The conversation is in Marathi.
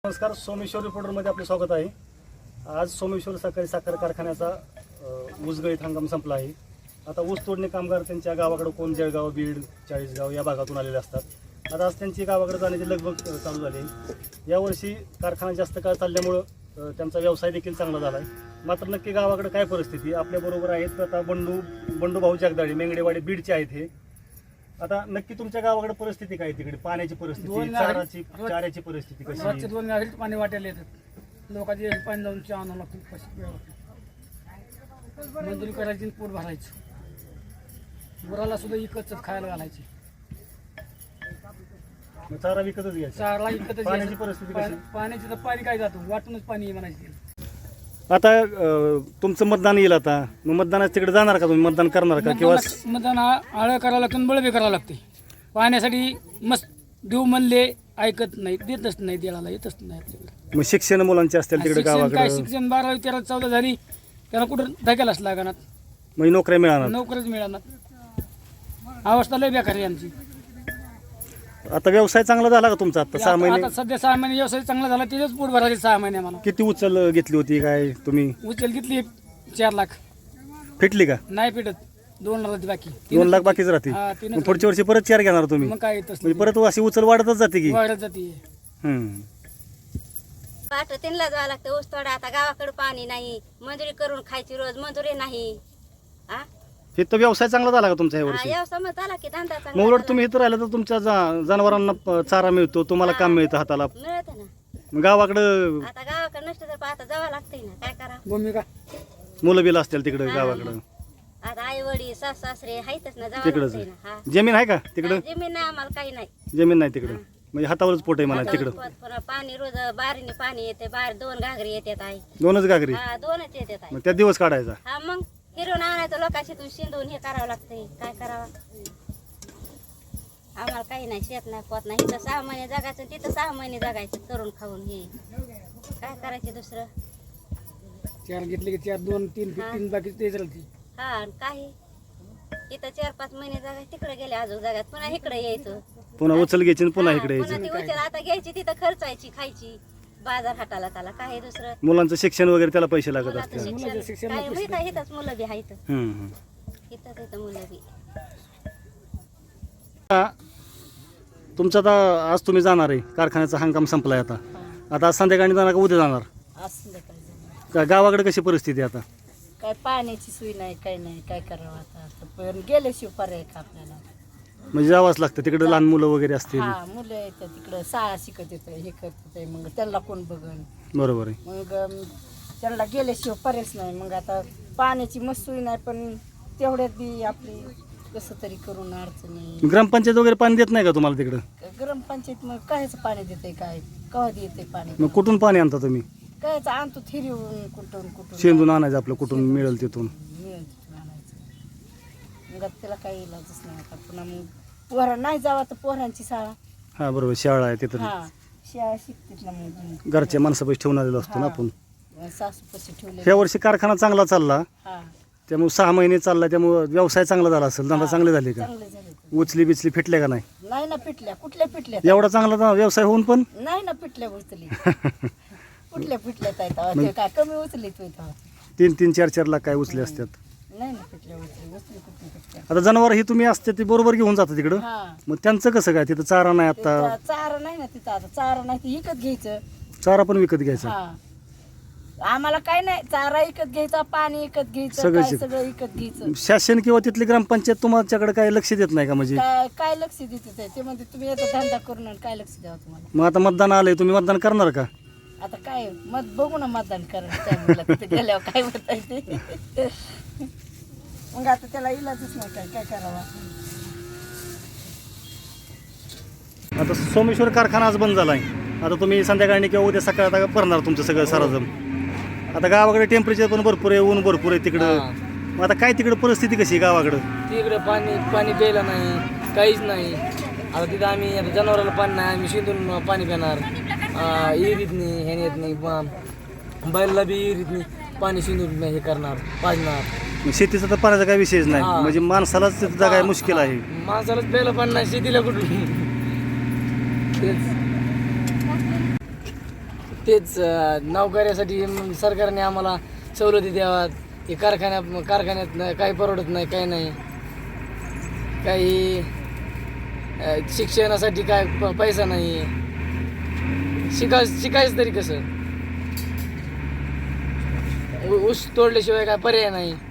नमस्कार, सोमेश्वर रिपोर्टरमध्ये आपले स्वागत आहे. आज सोमेश्वर सहकारी साखर कारखान्याचा ऊसगळीत हंगाम संपला आहे. आता ऊस तोडणे कामगार त्यांच्या गावाकडे कोण जळगाव, बीड, चाळीसगाव या भागातून आलेले असतात. आता आज त्यांची गावाकडे जाण्याची लगबग चालू झाली आहे. यावर्षी कारखाना जास्त काळ चालल्यामुळं त्यांचा व्यवसाय देखील चांगला झाला आहे. मात्र नक्की गावाकडे काय परिस्थिती आपल्याबरोबर आहेत. आता बंडू भाऊ जगदाळे मेंगडेवाडी बीडचे आहेत. हे आता नक्की तुमच्या गावाकडे परिस्थिती काय, तिकडे पाण्याची परिस्थिती, चाऱ्याची परिस्थिती कशी? रोजचे 2 गाडीत पाणी वाटायला येतात. लोकांचे पाणी जाऊन चहा आणावं लागतं. मंजुरी करायची आणि पोट भरायचं. गुराला सुद्धा इकतच खायला घालायची. चारा विकतच घ्यायचा. चारला इकतच. पाण्याची परिस्थिती कशी? पाण्याची तर पाणी काय जातो, वाटूनच पाणी म्हणायची. आता तुमचं मतदान येईल. आता मग मतदानाच्या तिकडे जाणार का तुम्ही? मतदान करणार का? किंवा मतदान आळं करावं लागतं, बळबी करावं लागते. पाण्यासाठी मस्त देऊ म्हणले ऐकत नाही, देतच नाही, देवाला येतच नाही आपल्याकडे. मग शिक्षण मुलांचे असतील तिकडे गावाकडे? काय शिक्षण 12वी 13 14 झाली, त्याला कुठं धक्यालाच लागणार. म्हणजे नोकऱ्या मिळणार? नोकरीच मिळणार. अवस्था लय बेकार आहे आमची. आता व्यवसाय चांगला झाला का तुमचा? आता 6 महिने? आता सध्या 6 महिने व्यवसाय चांगला झाला, त्याच्याच पोट भरायचे 6 महिने. मला किती उचल घेतली होती काय तुम्ही? उचल घेतली 4 लाख. फिटली का? नाही फिटत. 2 लाख बाकी. 2 लाख बाकीच राहते. हा, 3 मग पुढच्या वर्षी परत 4 घेणार तुम्ही? मग काय येतच म्हणजे परत अशी उचल वाढतच जाते की? वाढत जाते. पाठ 3 ला जावं लागतं ऊस तोडा. आता गावाकडे पाणी नाही, मजुरी करून खायची, रोज मजुरी नाही. हा हे तर व्यवसाय चांगला झाला का तुमचा या वर्षी? व्यवसाय मग झाला की धंदा मग चांगला उलट झाला. तुम्ही इथं राहिलं तर तुमच्या जनावरांना चारा मिळतो, तुम्हाला काम मिळतं हाताला. मिळत ना. मग गावाकडं आता गावाकडे नसतं तर आता जावं लागतंय ना, काय करावं. भूमिका मुलं बिलं असतील तिकडे गावाकडं? आता आई वडील सास सासरे आहेतच ना, जावं तिकडंच लागतंय ना. हा जमीन आहे का तिकडं? जमीन नाही आम्हाला काही नाही. जमीन नाही तिकडं, म्हणजे हातावरच पोट आहे म्हणा तिकडं. पुन्हा पाणी रोज बारीने पाणी येते, बाहेर 2 घागरी येतात. आई 2च घागरी? हा 2च येतात. आई मग त्या दिवस काढायचा? हा मग फिरून आणायचं, लोकांशी तू शिंदून हे करावं लागतंय. काय करावं, आम्हाला काही नाही, शेत नाही, पोत नाही. इथं 6 महिने जगायचं, तिथं 6 महिने जगायचं करून खाऊन. हे काय करायचं दुसरं? 4 घेतले की 4 2 3 15 बाकी तेच राहते. हा आणि काही इथं 4-5 महिने जगायचं, तिकडे गेले अजून जगात, पुन्हा इकडे यायचं. पुन्हा उचल घ्यायची आणि पुन्हा हा, इकडे पुन्हा यायचं. ती उचल आता घ्यायची, तिथं खर्चायची, खायची, बाजार हाटाला त्याला काय दुसरं. मुलांचं शिक्षण वगैरे त्याला पैसे लागत मुलाचं असतील. शिक्षण काय माहित आहे, इथंच मुलं बी आहेत. हम्म. इथं मुलं बी. तुमचं आता आज तुम्ही जाणार आहे, कारखान्याचा हंगाम संपलाय. आता आज संध्याकाळी जाणार का उद्या जाणार? का गावाकडे कशी परिस्थिती आहे आता? काय पाण्याची सोय नाही, काय नाही, काय करावं आता. पण गेल्याशिवाय पर्याय का आपल्याला. म्हणजे जावंच लागतं तिकडे, लहान मुलं वगैरे असतील. हा मुलं येतात तिकडं, शाळा शिकत येतं, हे करत येतं, मग त्यांना कोण बघन. बरोबर आहे. मग त्यांना गेल्याशिवाय पर्यायच नाही. मग आता पाण्याची मस्त सोय नाही, पण तेवढ्यात बी आपली कसं तरी करून अडचणी. ग्रामपंचायत वगैरे पाणी देत नाही का तुम्हाला तिकडं? ग्रामपंचायत मग कायच पाणी देते, काय कवा येते पाणी? मग कुठून पाणी आणता तुम्ही? कायच आणतो थिरीवून, कुठून शेंदून आणायचं आपलं, कुठून मिळेल तिथून. मिळेल तिथून आणायचं. मग आता त्याला काही इलाजच नाही. आता पुन्हा मग पोहरा नाही जावा तर पोहरांची शाळा. हा बरोबर, शाळा आहे तिथं. हा शाळा शिकतील ना मग. घरच्या माणसापाशी ठेवून आलेलो असतो ना आपण. सासू पशी ठेवले. ह्या वर्षी कारखाना चांगला चालला, हा त्यामुळे 6 महिने चालला, त्यामुळे व्यवसाय चांगला झाला असेल, धंदा चांगले झाले का? चांगले झाले. उचली बिचली फिटल्या का नाही? नाही ना पिटल्या, कुठल्या पिटल्या? एवढा चांगला व्यवसाय होऊन पण नाही ना पिटल्या उचली. कुठल्या पिटल्या ते काय कमी उचली तू इथं? 3-3, 4-4 लाख काय उचले असतात. नाही ना पिटल्या उचली, उचली कुठली पिटल्या. आता जनावर ही तुम्ही असते ती बरोबर घेऊन जाता तिकडं. हा मग त्यांचं कसं काय? तिथं चारा नाही आता. चारा नाही ना तिथं. आता चारा नाही ते विकत घ्यायचं. चारा पण विकत घ्यायचा? हा आम्हाला काय नाही, चारा विकत घ्यायचा, पाणी विकत घ्यायचं, सगळं काय सगळं विकत घ्यायचं. शासन किंवा तिथली ग्रामपंचायत तुमच्याकडे काय लक्ष देत नाही का? म्हणजे काय काय लक्ष देते ते म्हणते तुम्ही येतो धंदा करून आणि काय लक्ष द्यावं तुम्हाला. मग आता मतदान आलंय, तुम्ही मतदान करणार का? आता काय मत बघू ना, मतदान करायला तिथे गेल्यावर काय होत आहे ते. मग आता त्याला इलाजच नाही, काय करावा. आता सोमेश्वर कारखाना आज बंद झालाय. आता तुम्ही संध्याकाळी किंवा उद्या सकाळी आता भरणार तुमचं सगळं साराजम. आता गावाकडे टेम्परेचर पण भरपूर आहे, ऊन भरपूर आहे तिकडं. मग आता काय तिकडं परिस्थिती कशी आहे गावाकडं? तिकडे पाणी प्यायला नाही, काहीच नाही. आता तिथं आम्ही आता जनावराला पाणी नाही, आम्ही शिंदून पाणी पिणार. विहिरीत नाही, ह्याने येत नाही, बैलला बी विहिरीत नाही, पाणी शिंदून हे करणार, पाजणार. शेतीचा तर पाण्याचा काही विषयच नाही, म्हणजे माणसालाच तिथं जगाय मुश्किल आहे. माणसालाच प्यायला पाणी नाही, शेतीला कुठून. तेच तेच नोकऱ्यासाठी सरकारने आम्हाला सवलती द्याव्यात. हे कारखान्यात काही परवडत नाही, काही नाही. काही शिक्षणासाठी काय पैसा नाही. शिकायचं तरी कसं? ऊस तोडल्याशिवाय काय पर्याय नाही.